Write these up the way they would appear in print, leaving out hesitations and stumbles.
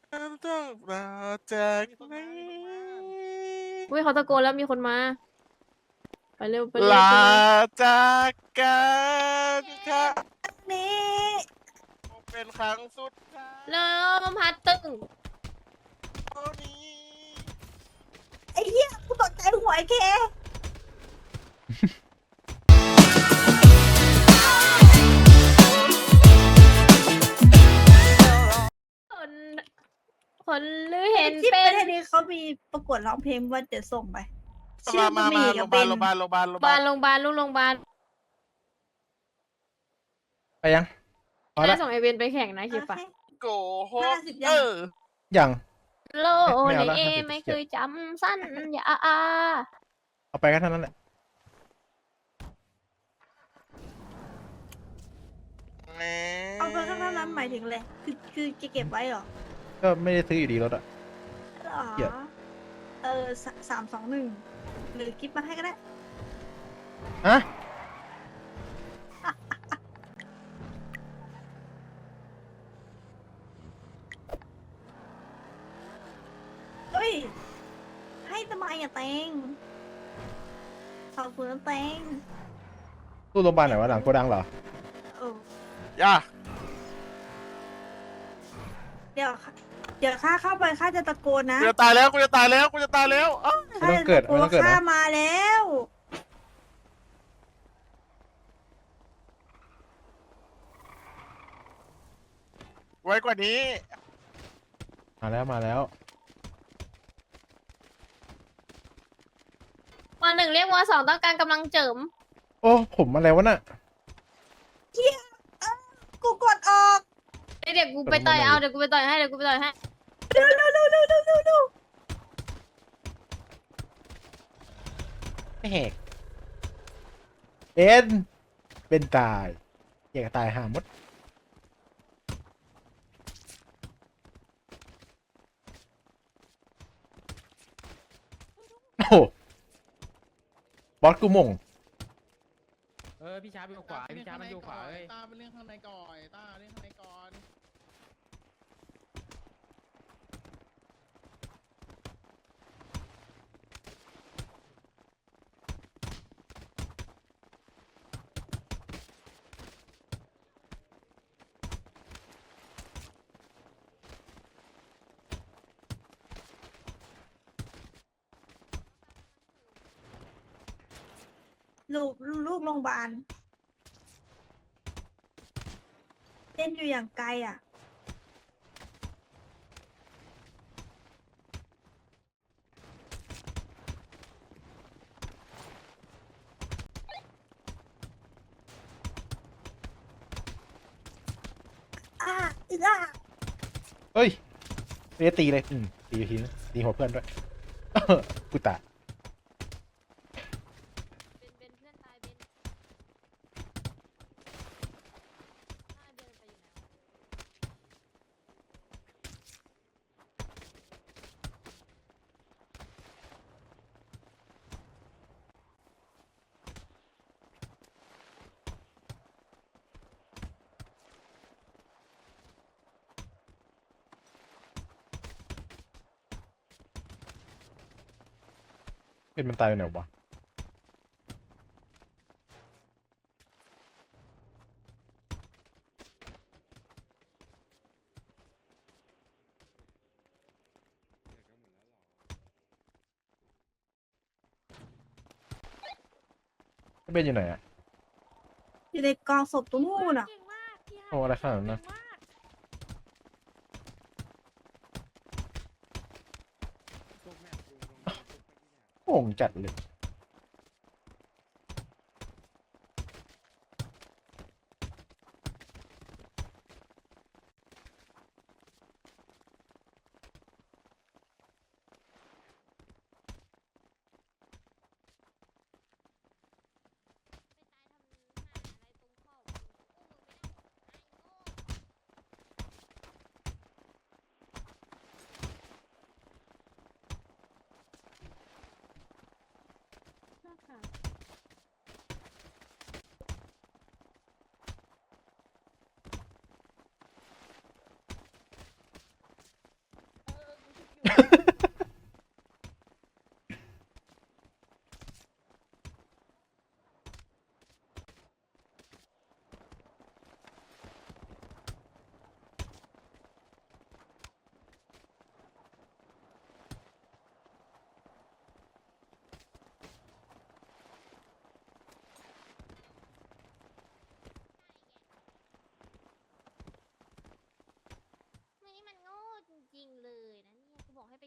ต้องลาจากไหนอุ้ยเขาตะโกนแล้วมีคนมาไปเร็วไปเร็ลาวไปเร็วจากกันค่ะนี้เป็นครั้งสุดท้ายเริ่มพัดตึงเท่านี้ไอ้เหี้ยกูตกใจหัวไอ้เคคนคนหรือเห็นที่เป็ประนเทศนี้เขามีประกวดร้องเพลงว่าเดี๋ยวส่งไปชื่อมาบะหมี่โรกังบพยาเบบาลนโรงพยาบาลโรงพยาบาลโรงพยาบาลลูกโรงพยาบาลไปยังพอน่าละส่งไอเวนไปแข่งนะคิดปะโกหก 50ยังยังโลไม่ในเอาละเอ 50 ไม่เคยจำสั้นอย่าอาเอาไปก็เท่านั้นแหละเอาไปข้างหน้านั้นหมายถึงอะไรคือจะเก็บไว้เหรอก็ไม่ได้ซื้ออยู่ดีรถอ่ะหรอเกลียด 321หรือกิฟต์มาให้ก็ได้ฮะเฮ้ยให้ทำไมอะเตงขอบคุณนะเตงตู้โรงพยาบาลไหนวะหลังโกดังเหรอโอ้ย่าเดี๋ยวข้าเข้าไปข้าจะตะโกนนะกูจะตายแล้วกูจะตายแล้วกูจะตายแล้วอ้าวไม่ต้องเกิดไม่ต้องเกิดนะข้ามาแล้วไว้กว่านี้มาแล้วมาแล้ววันหนึ่งเรียกว่าสองต้องการกำลังเจิมโอ้ผมอะไรวะน่ะกูกดออกเดี๋ยวกูไปต่อยเอาเดี๋ยวกูไปต่อยให้เดี๋ยวกูไปต่อยให้เร็วเร็วเร็วเร็วเร็วเร็วเร็วไม่แหกเป็นตายอยากจะตายหามดโอ้โหบอสกูมงพี่ช้าไปอยู่ขวาพี่ช้ามันอยู่ขวาเอ้ยตาเป็นเรื่องข้างในก่อนตาเรื่องข้างในก่อนลูกโรงพยาบาลเต้นอยู่อย่างไกลอ่ะอ่าอ่าเฮ้ยไม่ได้ตีเลยตีทีนึงตีหัวเพื่อนด้วย กูตายเป็นเพื่อนตายเป็นเดินไปอยู่ไหนวะเป็นมันตายไปไหนวะเป็นอยู่ไหนอะอยู่ในกองศพตรงนู้นอ่ะเก่งมากพี่โอ้อะไรขนาดนั้นนะเก่งมากโง่งจัดเลย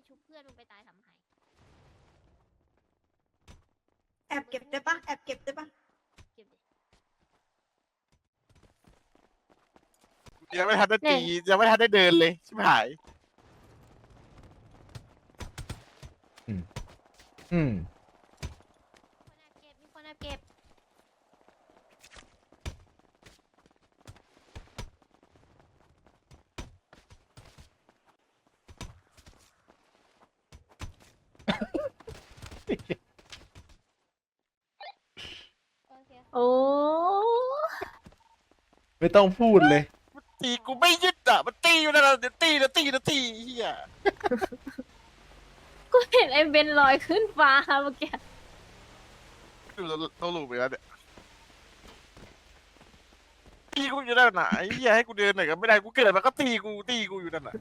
ชุบเพื่อนมึงไปตายทำไมแอบเก็บได้ปะแอบเก็บได้ปะเก็บดิยังไม่ทันได้ตียังไม่ทันได้เดินเลยชิบหายอืมคนแอบเก็บมีคนแอบเก็บ โอเคโอ้ไม่ต้องพูดเลยตีกูไม่ยึดอ่ะมันตีอยู่นั่นแหละเดี๋ยวตีเดี๋ยวตีเดี๋ยวตีเฮียกูเห็นไอ้เบนลอยขึ้นฟ้าเมื่อกี้ดูต้องหลุดไปแล้วเนี่ยตีกูอยู่นั่นน่ะไอ้เฮียให้กูเดินหน่อยก็ไม่ได้กูเกิดมาก็ตีกูอยู่นั่นน่ะ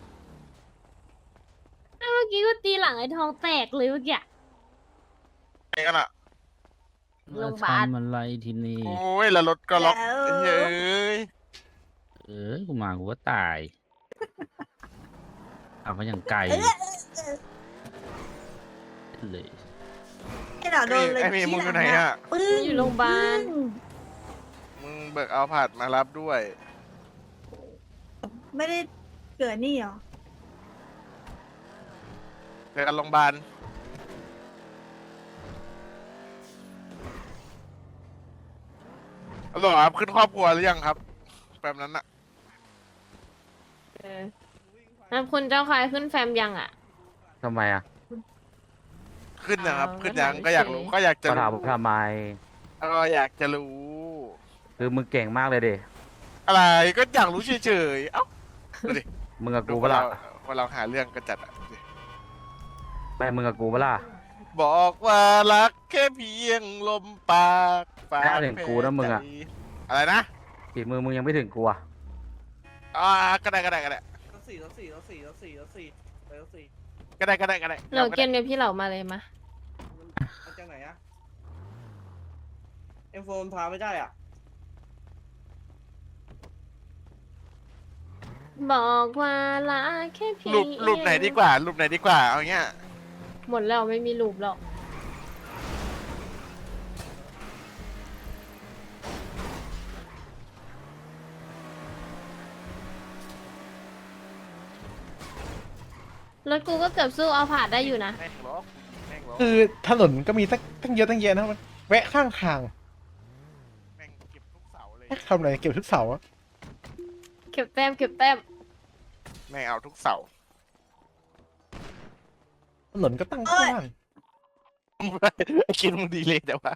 เมื่อกี้กูตีหลังไอ้ทองแตกเลยเมื่อกี้ไอ้กันอ่ะโรงพยาบาลทำอะไรทีนี้โอ้ยแล้วรถก็ล็อกแล้วไอ้เหี้ยเอ้ยกูมากูก็ตายเอาเขาอย่างไกลเลยไอ้หน่าโดนเลยไอ้เมย์มึงอยู่ไหนอ่ะปึ้งอยู่โรงพยาบาลมึงเบิกเอาผัดมารับด้วยไม่ได้เกิดนี่หรอเจอกันโรงพยาบาลฮัลโหลครับขึ้นครอบครัวหรือยังครับแบบนั้นอะแล้วคุณเจ้าชายขึ้นแฟมยังอ่ะทำไมอ่ะขึ้นนะครับอ้าวขึ้นยังงั้นก็อยากรู้ก็อยากจะก็ถามรู้ทำไมก็อยากจะรู้คือมึงเก่งมากเลยดิอะไรก็อยากรู้เฉยๆเอ้าดูดิมึงกับดูกูคเปะนล่าเราหาเรื่องกันจัดอะดูดิไม่มึงกับกูเปะล่าบอกว่ารักแค่เพียงลมปากปากแค่ถึงกูนะมึงอะใจอะไรนะฝีมือมึงยังไม่ถึงกูอ่ะก็ได้รถสี่ไปรถสี่ก็ได้เหล่าเกมเนี่ยพี่เหล่ามาเลยมามันจากไหนอะเอ็มโฟนพาไม่ได้อ่ะบอกว่ารักแค่เพียงรูปไหนดีกว่ารูปไหนดีกว่าเอาเงี้ยหมดแล้วไม่มีรูปหรอกรถกูก็เกือบสู้เอาผ่านได้อยู่นะแม่งล้อแม่งล้อคือถนนก็มีตั้งเยอะตั้งแยะนะมันแวะข้างทางแม่งเก็บทุกเสาเลยทำอะไรเก็บทุกเสาอะเก็บแต้มเก็บแต้มแม่งเอาทุกเสาถนนก็ตั้งกว้างไอ้คิดมึงดีเลยแต่ว่า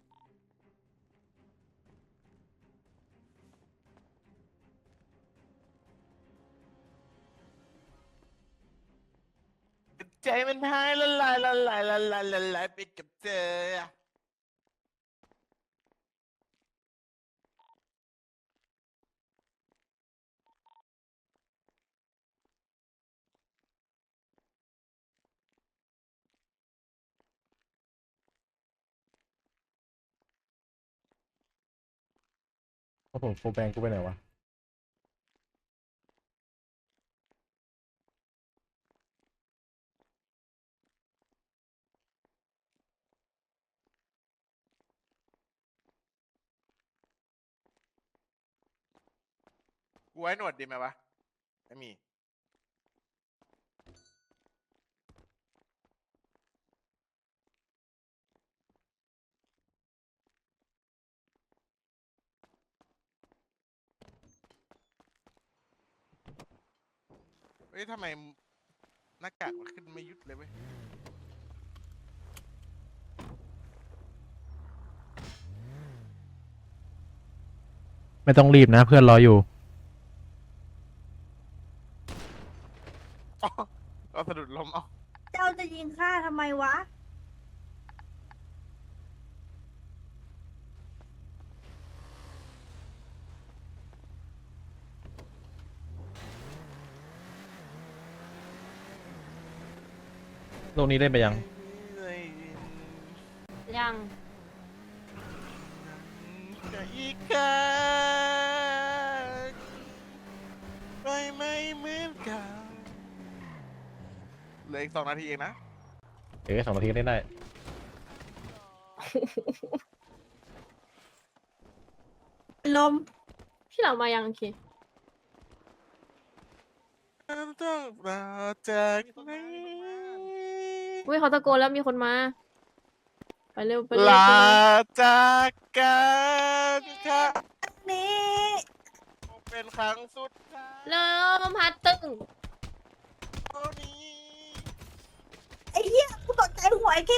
ใจมันหายละลายไปกับเธอเพราะผมโฟร์แบงกูไปไหนวะกูไว้หนวดดีไหมวะไม่มีเฮ้ยทำไมหน้ากากมันขึ้นไม่ยุดเลยเว้ยไม่ต้องรีบนะเพื่อนรออยู่อ๋อเอาสะดุดล้มเอาเจ้าจะยิงข้าทำไมวะโลกนี้ได้ไปยังยังจะอีกครั้งไปไม่เหมือนเก่าเหลืออีก2 นาทีเองนะ 2 นาทีก็เล่นได้ลมพี่เหล่ามายังโอเคต้องลาจากไหนอุ้ยเขาตะโกนแล้วมีคนมา ไปเร็วไปเร็วลาไปเร็วจากกันค่ะนี่เป็นครั้งสุดท้ายลมพัดตึงเท่านี้ไอ้เหี้ยกูตกใจหัวไอ้เค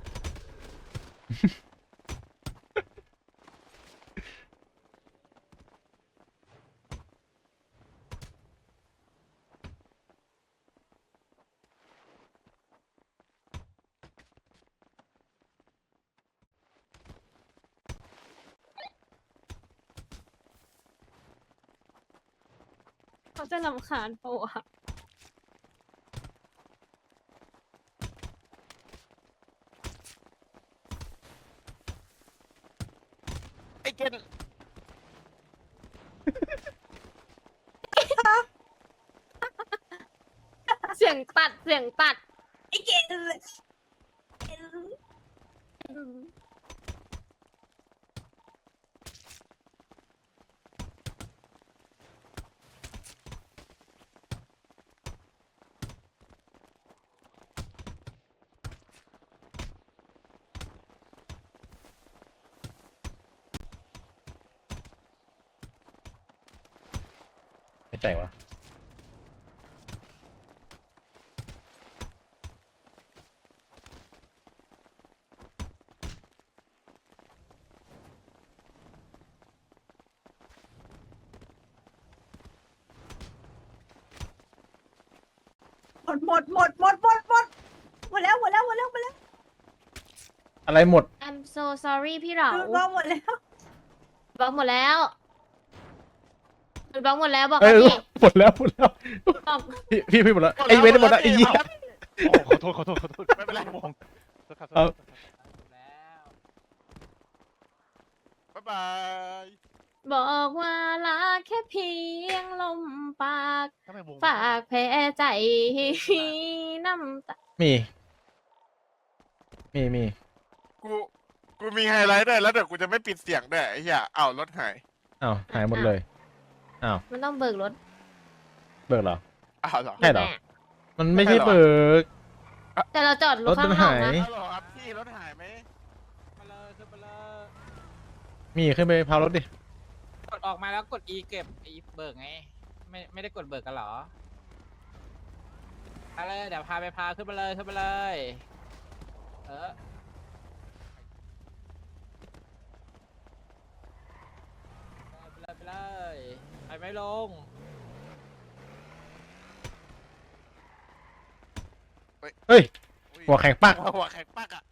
เขาจะรำคาญปะวะไอ้เกนเสียงตัดเสียงตัดไอ้เกดไม่แต่งวะหมดแล้วอะไรหมด I'm so sorry พี่เหล่าดูว่าหมดแล้วบล็อกหมดแล้วบล็อกหมดแล้วบอกเอ้ยพี่หมดแล้วหมดแล้วบอกพี่หมดแล้วไอ้เว้นหมดแล้วไอ้เหี้ยโอ้ขอโทษไม่เป็นไรมองเอาบ๊ายบายบอกว่ารักแค่เพียงลมปากทำไมวงฝากแผลใจน้ำตามีกูมีไฮไลท์ด้วยแล้วเดี๋ยวกูจะไม่ปิดเสียงด้วยไอ้เหี้ยอ้าวรถหายอ้าวหายหมดเลยอ้าวมันต้องเบิกรถเบิกเหรออ้าวเหรอใช่เหรอแน่มันไม่ใช่เบิกแต่เราจอดรถรถมันข้างนอกหายนะอ้าวเหรอครับพี่รถหายไหมมาเลยขึ้นมาเลยมีขึ้นไปพาวรถดิกดออกมาแล้วกด E เก็บ E เบิกไง ไม่ได้กดเบิกกันเหรอมาเลยเดี๋ยวพาขึ้นมาเลยขึ้นมาเลย ไปเลยไปไม่ลงเฮ้ยอุ้ยหัวแข็งปักหัวแข็งปักอ่ะ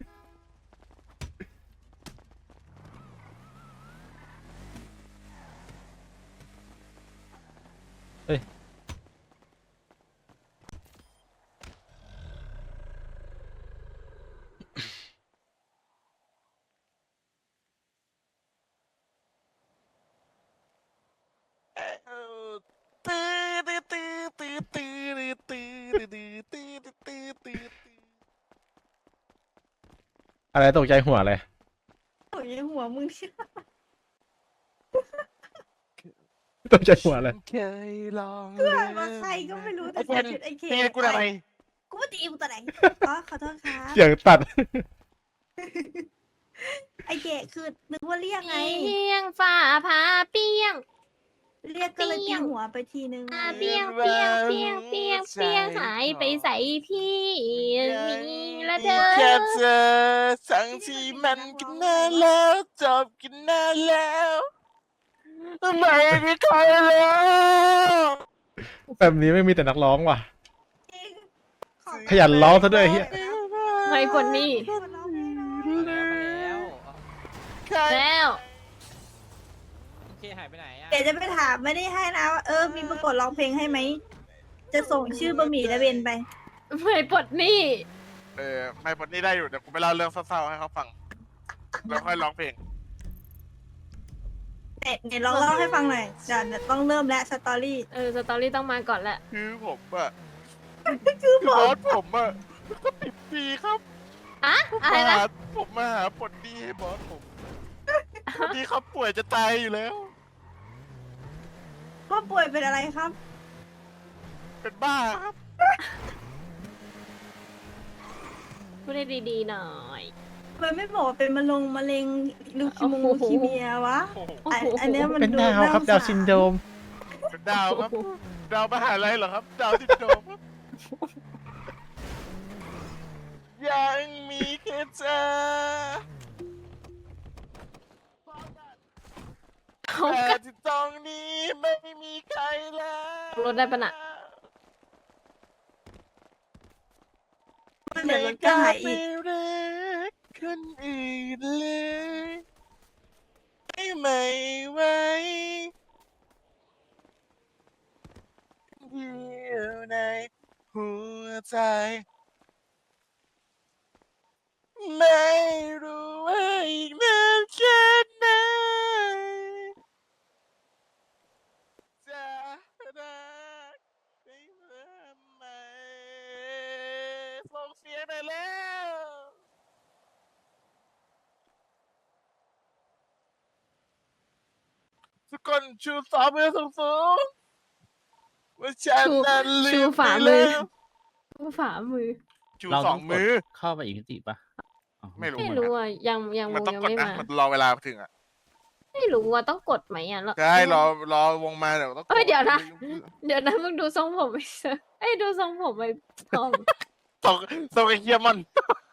อะไรตกใจหัวอะไรโอ้ยหัวมึงเชี่ยตกใจหัวอะไรเคยลองเพื่อนว่าใครก็ไม่รู้แต่ใส่ชุดไอ้เคเฮ้ยกูทำไมกูมาตีมึงตัวไหนอ๋อขอโทษครับเสียงตัดไอ้เกดคือนึกว่าเรียกไงเพียงฝ่าผาเปียงเรียกก็เลยตีหัวไปทีนึงเปียงเปียงเปียงเปียงเปียงหายไปใส่พี่มีละเด้อแค่เธอสั่งที่มันกันนานแล้วจบกันนานแล้วไม่มีใครแล้วแบบนี้ไม่มีแต่นักร้องว่ะจริงขยันร้องซะด้วยไอ้เหี้ยไม่คนนี้มาแล้วแล้วโอเคหายไปไหนอ่ะเดี๋ยวจะไปถามไม่ได้ให้นะว่ามีประกวดร้องเพลงให้ไหม จะส่งชื่อบะหมี่และเบนไปไม่ปลดหนี้ไม่พอนี่ได้อยู่เดี๋ยวกูไปเล่าเรื่องเศร้าๆให้เขาฟังแล้วค่อยร้องเพลงเดี๋ยวลองเล่าให้ฟังหน่อยเดี๋ยวต้องเริ่มแล้วสตอรี่สตอรี่ต้องมาก่อนแหละคือผมอะคือผบอสผมอะก็ติดดีครับอะอะไรนะผมมาหาผลดีให้บอสผมผลดีครับป่วยจะตายอยู่แล้วพ่อป่วยเป็นอะไรครับเป็นบ้าครับพูดได้ดีๆหน่อยทำไมไม่บอกว่าเป็นมะเร็งลูโอ้โหคีเมียวะโอ้โหอันเนี้ยมันเป็นดูดาวครับน่ดาวสงสซินโดรมเป็นดาวครับ ดาวมหาลัยเหรอครับ ดาวซินโดรมครับ ยังมีแค่เธอเขาแต่ที่ตรงนี้ไม่มีใครแล้วรถได้ปะน่ะเดี๋ยวรถก็หายอีกไม่รักคนอื่นเลยไม่ไหวอยู่ในหัวใจ ไม่รู้ว่าอีกนานแค่ไหนจะรักได้เมื่อไหร่ส่งเสียงหน่อยแล้วทุกคนชูสองมือสูงๆว่าฉันนั้นลืชูมฝ่าไปมือแล้วชูฝ่ามือชูเราสต้องมือเข้าไปอีกมิติปะอ๋อไม่รู้ไม่เหมือนรู้กันอ่ะยังมันวงต้องยังกดไม่นะมามันรอเวลาถึงอ่ะไม่รู้ว่าต้องกดไหมอ่ะแล้วใช่รอวงมาเดี๋ยวต้องกเอ้ยเดี๋ยวนะ เดี๋ยวนะมึงดูทรงผมไปเถอะเอ้ยดูทรงผมไปพร้อมส่งไอ้เฮียมัน